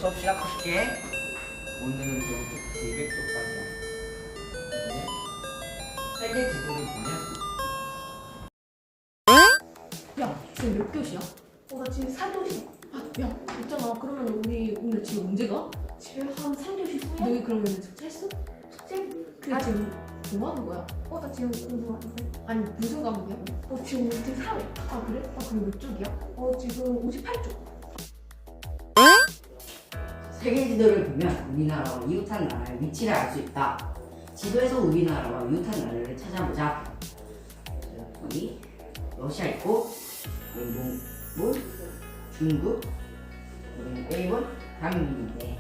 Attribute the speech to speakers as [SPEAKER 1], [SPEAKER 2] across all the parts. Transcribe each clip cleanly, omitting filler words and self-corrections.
[SPEAKER 1] 수업 시작할게. 오늘은 여기 200쪽까지야. 세개 구조를 보면
[SPEAKER 2] 야, 지금 몇 교시야?
[SPEAKER 3] 나 지금 4교시.
[SPEAKER 2] 야, 있잖아. 그러면 우리 오늘 집에 언제 가?
[SPEAKER 3] 집에 한 3교시 후에?
[SPEAKER 2] 너희 그러면 숙제했어?
[SPEAKER 3] 숙제?
[SPEAKER 2] 근데 지금 뭐 하는 거야?
[SPEAKER 3] 나 지금 공부하는데.
[SPEAKER 2] 아니, 무슨 과목이야?
[SPEAKER 3] 지금 문제 3회.
[SPEAKER 2] 아, 그래? 아, 그럼 몇 쪽이야?
[SPEAKER 3] 지금 58쪽.
[SPEAKER 4] 세계 지도를 보면 우리나라와 이웃한 나라의 위치를 알 수 있다. 지도에서 우리나라와 이웃한 나라를 찾아보자. 여기 러시아 있고, 여기 몽골, 중국, 여기 일본, 한국인데.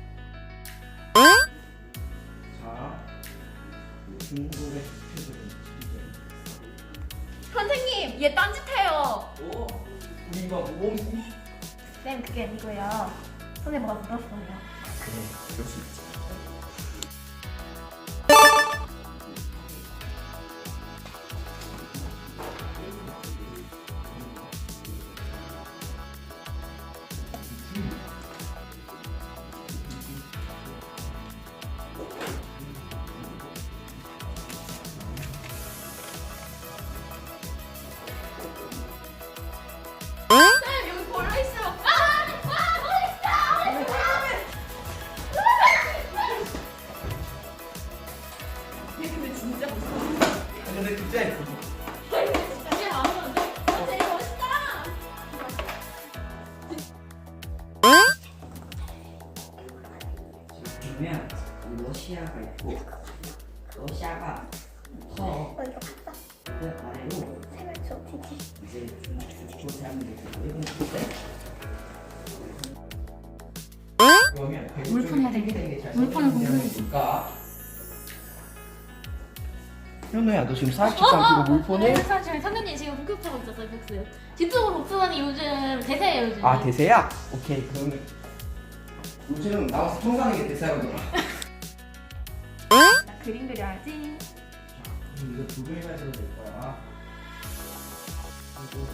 [SPEAKER 1] 자, 중국의 수표들은
[SPEAKER 5] 선생님, 얘 딴짓해요.
[SPEAKER 1] 오, 우리 이거 모범생?
[SPEAKER 5] 쌤, 그게 아니고요. 선생님 뭐가 물었어요.
[SPEAKER 1] 그래, 그럴 수 있지.
[SPEAKER 5] 쌤, 여기 벌레 있어요. 얘 근데 진짜 무서워.
[SPEAKER 1] 근데 진짜 예쁘
[SPEAKER 5] 진짜 안 오는데? 되게 멋있다.
[SPEAKER 4] 지금 보면 이 러시아가 있고, 러시아가 커. 그 아래로 이제 중국 사람들이 일본 있는데.
[SPEAKER 1] 그러면
[SPEAKER 5] 물품 해야 돼. 물품을
[SPEAKER 1] 볼까? 현우야, 너 지금 사학칙 상태고 물폰해?
[SPEAKER 5] 사실 선생님 지금 복습하고 있었어요, 복습. 집중으로 복습하니 요즘 대세예요, 요즘.
[SPEAKER 1] 아, 대세야? 오케이, 그러면 요즘 나와서 통과하는 게 대세거든.
[SPEAKER 5] 나 그림 그려야지.
[SPEAKER 1] 그럼 이거 두 개가 있어도 될 거야. 그리고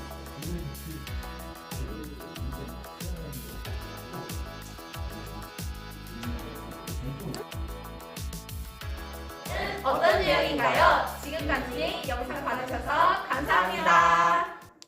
[SPEAKER 5] 어떤 유형인가요? 지금까지 영상 봐주셔서 감사합니다.